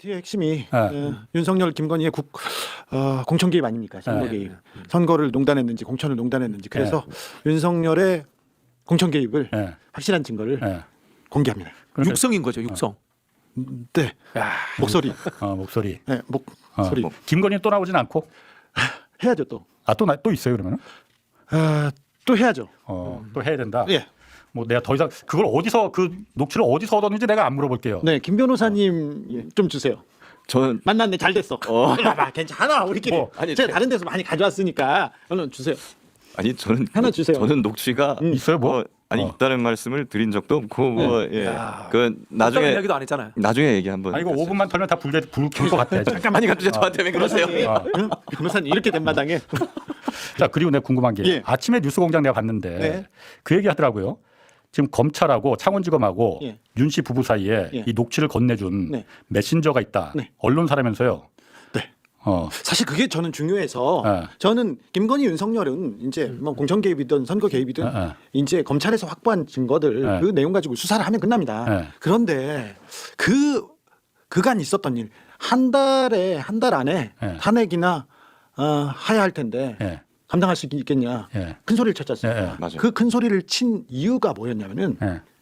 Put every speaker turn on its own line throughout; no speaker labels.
김건희의 핵심이 윤석열, 김건희의 공천 개입 아닙니까? 선거 개입. 선거를 농단했는지 공천을 농단했는지. 그래서 윤석열의 공천 개입을 확실한 증거를 공개합니다.
육성인 거죠, 육성.
네. 목소리.
목소리.
네, 목소리.
김건희 또 나오진 않고?
해야죠 또.
또 있어요 그러면은?
또 해야죠.
또 해야 된다.
예.
뭐 내가 더 이상 그걸 어디서 그 녹취를 어디서 얻었는지 내가 안 물어볼게요.
네, 김 변호사님 좀 주세요.
저는
만났네, 잘 됐어. 봐봐, 괜찮아, 우리끼리.
아니,
제가 다른 데서 많이 가져왔으니까 얼른 주세요.
아니 저는
하나 주세요.
저는 녹취가
있어요 뭐?
있다는 말씀을 드린 적도 없고 그 나중에
이야기도 안 했잖아요.
나중에 얘기 한번.
아니 이거 5분만 털면 다 불켤것 같아.
잠깐만요, 갑자기 저한테 왜 그러세요?
응? 변호사님 이렇게 된 마당에.
자 그리고 내가 궁금한 게
예.
아침에 뉴스공장 내가 봤는데
네.
그 얘기 하더라고요. 지금 검찰하고 창원지검하고
예.
윤 씨 부부 사이에
예.
이 녹취를 건네준
네.
메신저가 있다.
네.
언론사라면서요.
네.
어.
사실 그게 저는 중요해서
네.
저는 김건희, 윤석열은 이제 뭐 공천 개입이든 선거 개입이든 이제 검찰에서 확보한 증거들 그 내용 가지고 수사를 하면 끝납니다. 그런데 그간 있었던 일 한 달 안에 탄핵이나 해야 할 텐데 감당할 수 있겠냐. 큰 소리를 쳤지 않습니까?
맞아요.
그 큰 소리를 친 이유가 뭐였냐면은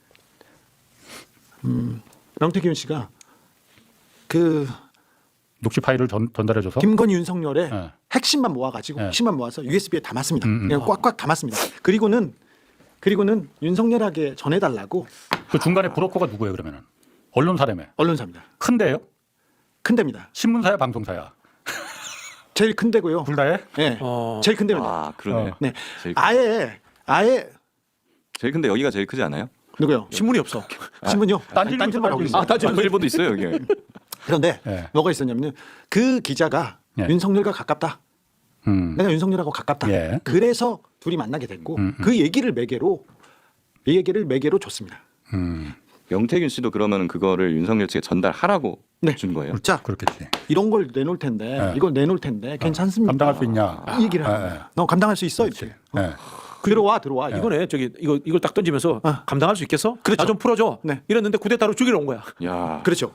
명태균 씨가 그
녹취 파일을 전달해줘서
김건희, 윤석열의 핵심만 모아가지고 핵심만 모아서 USB에 담았습니다. 그냥 꽉꽉 담았습니다. 그리고는 윤석열에게 전해달라고.
그 중간에 브로커가 누구예요 그러면은? 언론사라며.
언론사입니다.
큰데요?
큰 데입니다.
신문사야 방송사야?
제일 큰 데고요.
둘 다에?
네. 제일 큰 데입니다.
아 그러네.
네.
제일
아예
제일 근데 여기가 제일 크지 않아요?
누구요?
신문이 없어.
신문요?
딴지일보도
하고
있어요.
있어요.
딴지 일본도 있어요 여기.
그런데 뭐가 있었냐면 그 기자가 윤석열과 가깝다. 내가 윤석열하고 가깝다.
예.
그래서 둘이 만나게 됐고 그 얘기를 매개로 줬습니다.
명태균 씨도 그러면 그거를 윤석열 측에 전달하라고
네.
준 거예요?
자,
그렇겠지.
이런 걸 내놓을 텐데 이걸 내놓을 텐데 괜찮습니까?
감당할 수 있냐?
이 얘기를 하는 거야. 너 감당할 수 있어? 이렇게.
네.
들어와.
이거네. 이걸 딱 던지면서 감당할 수 있겠어?
그렇죠.
나 좀 풀어줘.
네.
이랬는데 쿠데타로 죽이러 온 거야.
야.
그렇죠.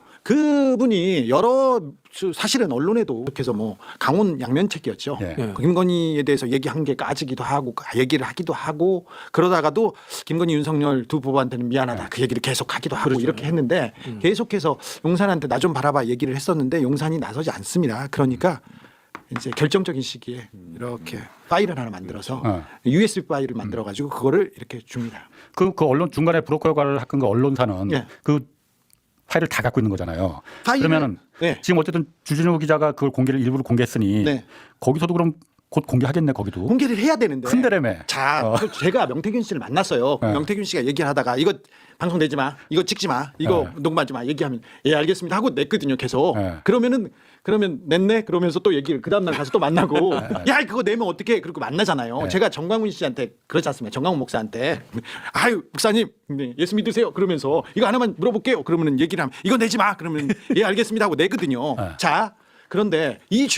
그분이 여러 사실은 언론에도 그래서 뭐 강원 양면책이었죠.
예.
예.
김건희에 대해서 얘기한 게 까지기도 하고 얘기를 하기도 하고 그러다가도 김건희, 윤석열 두 부부한테는 미안하다 그 얘기를 계속 하기도 하고 이렇게 했는데 계속해서 용산한테 나 좀 바라봐 얘기를 했었는데 용산이 나서지 않습니다. 그러니까 이제 결정적인 시기에 이렇게 파일을 하나 만들어서 USB 파일을 만들어 가지고 그거를 이렇게 줍니다.
그 언론 중간에 브로커 역할을 한 그 언론사는
예.
그 파일을 다 갖고 있는 거잖아요.
파일을-
그러면은
네.
지금 어쨌든 주진우 기자가 그걸 일부러 공개했으니
네.
거기서도 그럼 곧 공개하겠네 거기도.
공개를 해야 되는데.
큰 데라며.
자, 제가 명태균 씨를 만났어요. 명태균 씨가 얘기를 하다가 이거 방송 내지 마, 이거 찍지 마, 이거 녹음하지 마 얘기하면 예 알겠습니다 하고 냈거든요 계속. 그러면 냈네 그러면서 또 얘기를 그 다음날 가서 또 만나고 야 그거 내면 어떻게 그렇게 만나잖아요. 제가 정광훈 씨한테 그렇지 않습니까? 정광훈 목사한테 아유 목사님 예수 믿으세요 그러면서 이거 하나만 물어볼게요. 그러면 얘기를 하면 이거 내지 마 그러면 예 알겠습니다 하고 내거든요. 자 그런데 이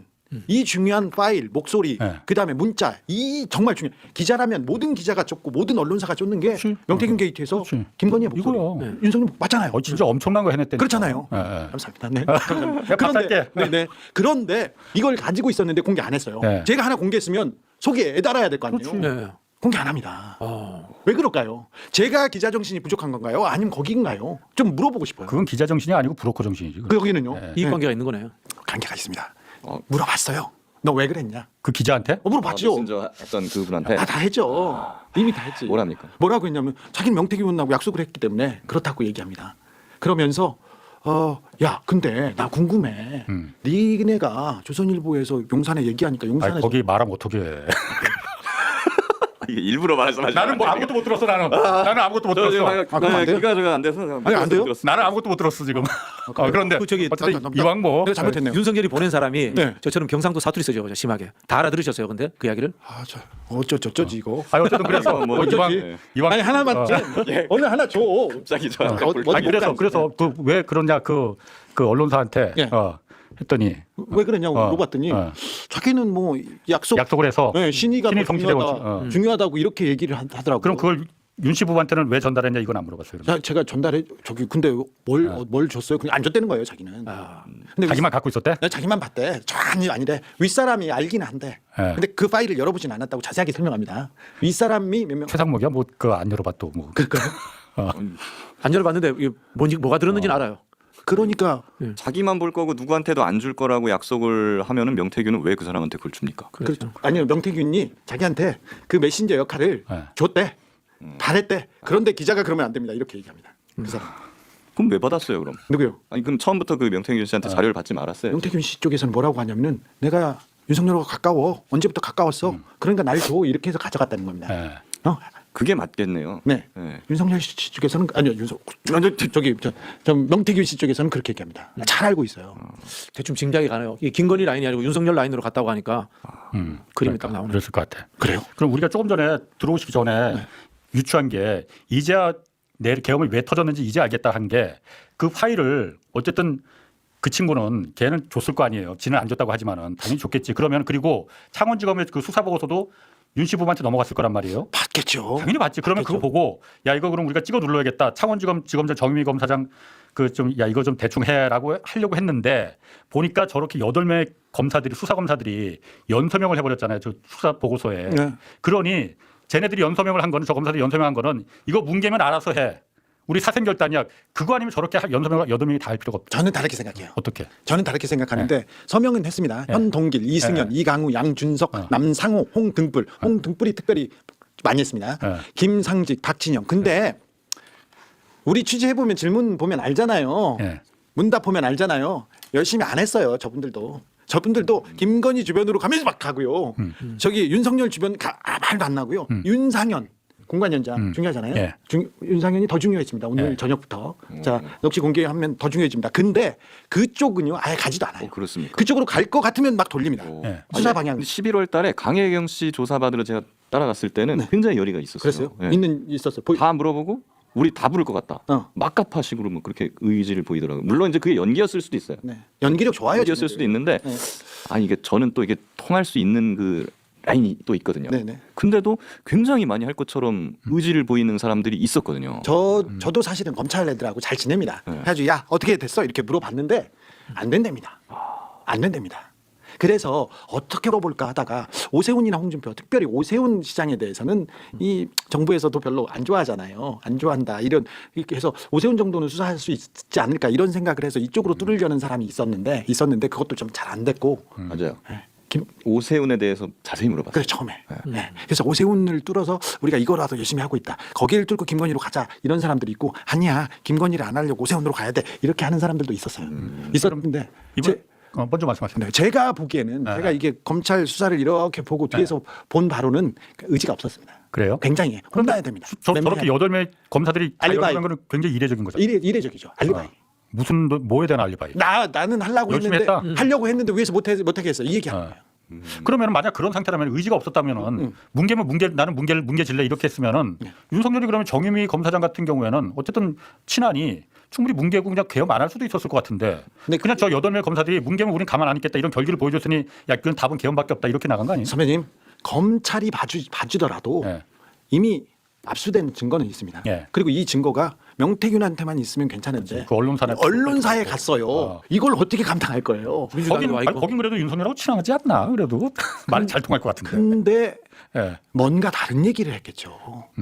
중요한 파일, 목소리, 그다음에 문자, 이 정말 중요한 기자라면 모든 기자가 쫓고 모든 언론사가 쫓는 게 명태균 게이트에서 김건희의 목소리,
이거요.
윤석열 맞잖아요.
진짜 엄청난 거 해냈대.
그렇잖아요. 감사합니다. 네. 감사합니다. 그런데 그런데 이걸 가지고 있었는데 공개 안 했어요. 제가 하나 공개했으면 속에 애달아야 될 거 아니에요.
네.
공개 안 합니다. 왜 그럴까요? 제가 기자 정신이 부족한 건가요? 아니면 거기인가요? 좀 물어보고 싶어요.
그건 기자 정신이 아니고 브로커 정신이지.
거기는요?
이익 관계가 있는 거네요.
관계가 있습니다. 물어봤어요. 너 왜 그랬냐?
그 기자한테?
물어봤죠.
메신저 했던 그분한테
다 했죠. 이미 다 했지.
뭐랍니까?
뭐라고 했냐면 자기는 명태균하고 약속을 했기 때문에 그렇다고 얘기합니다. 그러면서 야 근데 나 궁금해. 니네가 조선일보에서 용산에 얘기하니까
아니,
용산에서
거기 말하면 어떻게 해.
이게 일부러 말씀하시는
나는 뭐 아무것도 못 들었어 나는. 나는 아무것도 못 들었어.
그럼 안 돼요?
귀가 안 돼서 그냥
아니, 안 돼요?
들었습니다.
나는 아무것도 못 들었어 지금. 그런데
저기
어쨌든 이왕 뭐
내가 잘못했네요.
윤석열이 보낸 사람이
네.
저처럼 경상도 사투리 쓰죠. 심하게. 다 알아들으셨어요. 근데 그 이야기를?
저 어쩌지 이거.
아니 어쨌든 그래서
뭐
이왕
아니 하나만 오늘 하나 줘.
갑자기 저한테
아니 그래서 그 왜 그러냐 그 언론사한테
예.
했더니
왜 그러냐고 물어봤더니 자기는 뭐 약속을
약속을 해서
네, 신의가
신의
더
성실에
중요하다고 이렇게 얘기를 하더라고요.
그럼 그걸 윤 씨 부부한테는 왜 전달했냐 이건 안 물어봤어요. 그러면.
제가 전달해 저기 근데 뭘 줬어요? 그냥 안 줬다는 거예요, 자기는. 근데
자기만 갖고 있었대?
자기만 봤대. 전혀 아니래. 윗사람이 알기는 한데.
네.
근데 그 파일을 열어보진 않았다고 자세하게 설명합니다. 윗사람이 몇 명.
최상목이야 뭐 그거 안 열어봤도 뭐.
그러니까요.
안 열어봤는데 이게 뭔지 뭐가 들었는지는 알아요.
그러니까
자기만 볼 거고 누구한테도 안 줄 거라고 약속을 하면은 명태균은 왜 그 사람한테 그걸 줍니까?
그렇죠. 아니요, 명태균이 자기한테 그 메신저 역할을
네.
줬대. 잘했대. 그런데 기자가 그러면 안 됩니다. 이렇게 얘기합니다. 그 사람.
그럼 왜 받았어요 그럼?
누구요?
아니 그럼 처음부터 그 명태균 씨한테 자료를 받지 말았어요.
명태균 씨 쪽에서는 뭐라고 하냐면은 내가 윤석열하고 가까워. 언제부터 가까웠어. 그러니까 날 줘. 이렇게 해서 가져갔다는 겁니다.
네.
그게 맞겠네요.
네.
네.
윤석열 씨 쪽에서는 아니요. 저기 저 명태균 씨 쪽에서는 그렇게 얘기합니다. 잘 알고 있어요.
대충 짐작이 가네요. 이게 김건희 라인이 아니고 윤석열 라인으로 갔다고 하니까 그림이 딱 나오네.
그랬을 것 같아.
그래요?
그럼 우리가 조금 전에 들어오시기 전에 유추한 게 이제야 내 계엄이 왜 터졌는지 이제 알겠다 한 게 그 파일을 어쨌든 그 친구는 걔는 줬을 거 아니에요. 지는 안 줬다고 하지만은 당연히 줬겠지. 그러면 그리고 창원지검의 그 수사 보고서도 윤 씨 부부한테 넘어갔을 거란 말이에요.
받겠죠.
당연히 맞지. 그러면 그거 보고 야 이거 그럼 우리가 찍어 눌러야겠다. 창원지검 지검장 정유미 검사장 그 좀 야 이거 좀 대충 해라고 하려고 했는데 보니까 저렇게 8명의 검사들이 수사 검사들이 연서명을 해버렸잖아요. 저 수사 보고서에.
네.
그러니 쟤네들이 연서명을 한 거는 저 검사들이 연서명한 거는 이거 뭉개면 알아서 해. 우리 사생결단이야. 그거 아니면 저렇게 연서명을 8명이 다 할 필요가 없다.
저는 다르게 생각해요.
어떻게?
저는 다르게 생각하는데 서명은 했습니다. 현동길, 이승연, 이강우, 양준석, 남상호, 홍등불. 홍등불이 특별히 많이 했습니다. 김상직, 박진영. 근데 우리 취재해 보면 질문 보면 알잖아요. 문답 보면 알잖아요. 열심히 안 했어요. 저분들도 김건희 주변으로 가면서 막 가고요. 저기 윤석열 주변 말도 안 나고요. 윤상현 공관연장 중요하잖아요. 윤상현이 더 중요했습니다. 오늘 저녁부터. 자, 역시 공개하면 더 중요해집니다. 근데 그쪽은요 아예 가지도 않아요.
그렇습니까?
그쪽으로 갈 것 같으면 막 돌립니다. 수사 방향.
11월 달에 강혜경 씨 조사 받으러 제가 따라갔을 때는 굉장히 열의가 있었어요.
그랬어요?
네.
있었어요.
다 물어보고 우리 다 부를 것 같다. 막가파식으로 뭐 그렇게 의지를 보이더라고요. 물론 이제 그게 연기였을 수도 있어요.
네. 연기력 좋아요.
연기였을 수도 있는데 아니 이게 저는 또 이게 통할 수 있는 그 라인이 또 있거든요.
네네.
근데도 굉장히 많이 할 것처럼 의지를 보이는 사람들이 있었거든요.
저도 사실은 검찰 애들하고 잘 지냅니다. 그래가지고 야 어떻게 됐어 이렇게 물어봤는데 안 된답니다. 안 된답니다. 그래서 어떻게 물어볼까 하다가 오세훈이나 홍준표, 특별히 오세훈 시장에 대해서는 이 정부에서도 별로 안 좋아하잖아요. 안 좋아한다 이런 이렇게 해서 오세훈 정도는 수사할 수 있지 않을까 이런 생각을 해서 이쪽으로 뚫으려는 사람이 있었는데 그것도 좀 잘 안 됐고.
맞아요. 오세훈에 대해서 자세히 물어봤어요.
그래 처음에. 네. 그래서 오세훈을 뚫어서 우리가 이거라도 열심히 하고 있다. 거기를 뚫고 김건희로 가자 이런 사람들이 있고 아니야 김건희를 안 하려고 오세훈으로 가야 돼 이렇게 하는 사람들도 있었어요. 있었는데
이번 먼저 말씀하세요.
네, 제가 보기에는 제가 이게 검찰 수사를 이렇게 보고 뒤에서 본 바로는 의지가 없었습니다.
그래요?
굉장히 혼나야 됩니다.
저렇게 8명의 검사들이 다
알리바이.
열어간 거는 굉장히 이례적인 거죠.
이례적이죠. 알리바이.
무슨 뭐에 대한 알리바이?
나는 하려고
열심히
했는데
했다?
하려고 했는데 위에서 못하게 했어. 이 얘기하는 거예요.
그러면 만약 그런 상태라면 의지가 없었다면은 나는 뭉개질래 이렇게 했으면은 윤석열이 그러면 정유미 검사장 같은 경우에는 어쨌든 친하니 충분히 뭉개고 그냥 개엄 안 할 수도 있었을 것 같은데
근데
그냥 저 8명 검사들이 뭉개면 우린 가만 안 있겠다 이런 결기를 보여줬으니 야 그건 답은 개엄밖에 없다 이렇게 나간 거 아니에요?
선배님 검찰이 봐주더라도 이미 압수된 증거는 있습니다. 그리고 이 증거가 명태균한테만 있으면 괜찮은데
그
언론사에 갔어요. 이걸 어떻게 감당할 거예요?
거긴 그래도 윤석열하고 친하지 않나 그래도 말 잘 통할 것 같은데.
근데
예.
뭔가 다른 얘기를 했겠죠.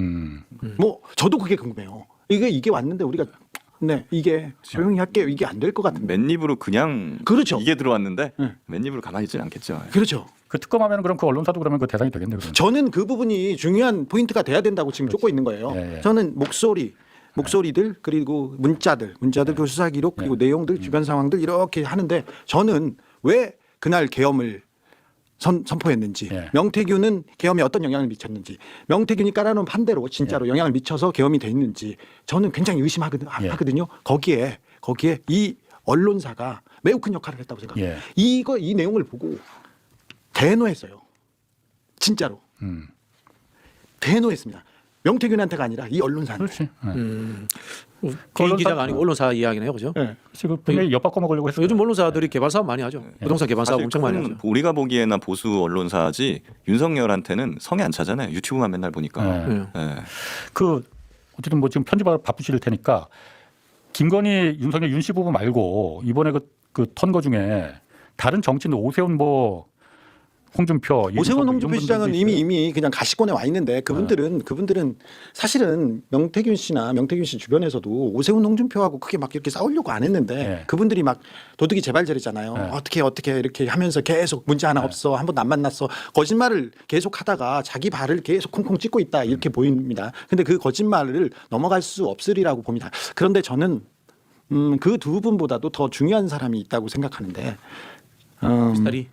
뭐 저도 그게 궁금해요. 이게 왔는데 우리가 이게 조용히 할게요. 이게 안 될 것 같은데.
맨입으로 그냥
그렇죠.
이게 들어왔는데 맨입으로 가만히 있지는 않겠죠.
그렇죠.
그 특검하면 그럼 그 언론사도 그러면 그 대상이 되겠네요. 그러면.
저는 그 부분이 중요한 포인트가 돼야 된다고 지금 쫓고 있는 거예요. 저는 목소리들 그리고 문자들 그 수사 기록 그리고 내용들 주변 상황들 이렇게 하는데 저는 왜 그날 계엄을 선포했는지 명태균은 계엄에 어떤 영향을 미쳤는지 명태균이 깔아놓은 판대로 진짜로 영향을 미쳐서 계엄이 돼 있는지 저는 굉장히 의심하거든요. 거기에 이 언론사가 매우 큰 역할을 했다고 생각해요. 이 내용을 보고 대노했어요. 진짜로. 대노했습니다. 명태균한테가 아니라 이 언론사한테.
그렇지.
개인 기자가 아니고 언론사 이야기네요, 그죠?
네.
지금 분명히 엿바꿔 먹으려고 했어요.
요즘 언론사들이 개발 사업 많이 하죠. 부동산 개발 사업
사실
엄청 많이
그건
하죠.
우리가 보기에는 보수 언론사지 윤석열한테는 성에 안 차잖아요. 유튜브만 맨날 보니까.
네.
예.
그 어쨌든 뭐 지금 편집하러 바쁘실 테니까 김건희 윤석열 윤씨 부부 말고 이번에 그 턴 거 중에 다른 정치인 오세훈 뭐 홍준표
오세훈
이런
홍준표
분들도
시장은
있어요.
이미 그냥 가시권에 와 있는데 그분들은 사실은 명태균 씨나 명태균 씨 주변에서도 오세훈 홍준표하고 크게 막 이렇게 싸우려고 안 했는데
네.
그분들이 막 도둑이 제발저리잖아요.
네.
어떻게 이렇게 하면서 계속 문제 하나 없어, 한 번도 안 만났어, 거짓말을 계속 하다가 자기 발을 계속 콩콩 찍고 있다 이렇게 보입니다. 근데 그 거짓말을 넘어갈 수 없으리라고 봅니다. 그런데 저는 그 두 분보다도 더 중요한 사람이 있다고 생각하는데
스타리.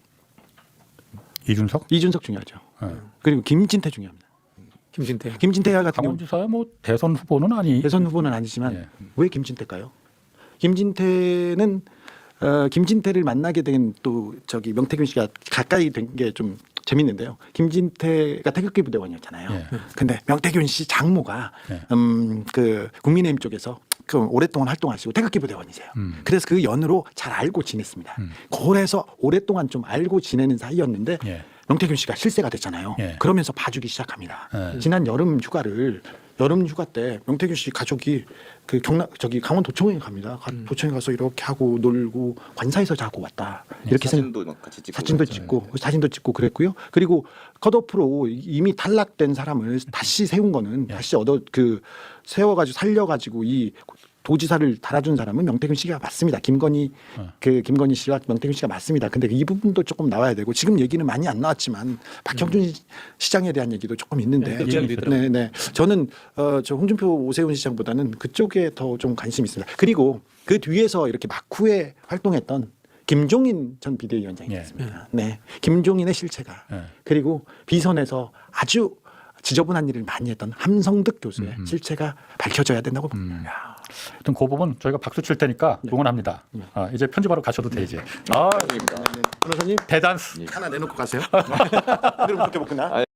이준석
중요하죠.
네.
그리고 김진태 중요합니다. 김진태 같은 경우
강원지사야 뭐 대선 후보는 아니.
대선 후보는 아니지만
예.
왜 김진태일까요? 김진태는 김진태를 만나게 된 또 저기 명태균 씨가 가까이 된 게 좀 재밌는데요. 김진태가 태극기 부대원이었잖아요.
예.
근데 명태균 씨 장모가
예.
그 국민의힘 쪽에서 그 오랫동안 활동하시고 태극기 부대원이세요. 그래서 그 연으로 잘 알고 지냈습니다. 그래서 오랫동안 좀 알고 지내는 사이였는데
예.
명태균 씨가 실세가 됐잖아요.
예.
그러면서 봐주기 시작합니다.
예.
지난 여름 휴가 때 명태균 씨 가족이 그 강원 도청에 갑니다. 도청에 가서 이렇게 하고 놀고 관사에서 자고 왔다. 이렇게
사진도 막 같이 찍고
사진도 찍고 그랬고요. 그리고 컷오프로 이미 탈락된 사람을 다시 세운 거는 다시 세워가지고 살려가지고 이 도지사를 달아준 사람은 명태균 씨가 맞습니다. 김건희 씨와 명태균 씨가 맞습니다. 근데 이 부분도 조금 나와야 되고 지금 얘기는 많이 안 나왔지만 박형준 시장에 대한 얘기도 조금 있는데 네. 저는 저 홍준표 오세훈 시장보다는 그쪽에 더 좀 관심이 있습니다. 그리고 그 뒤에서 이렇게 막후에 활동했던 김종인 전 비대위원장이 있습니다. 네. 김종인의 실체가 그리고 비선에서 아주 지저분한 일을 많이 했던 함성득 교수의 실체가 밝혀져야 된다고 봅니다.
하여튼 그 부분 저희가 박수 칠 테니까 응원합니다. 이제 편집하러 가셔도 돼 이제.
변호사님
대단스.
하나 내놓고 가세요. 그럼 그렇게 먹구나.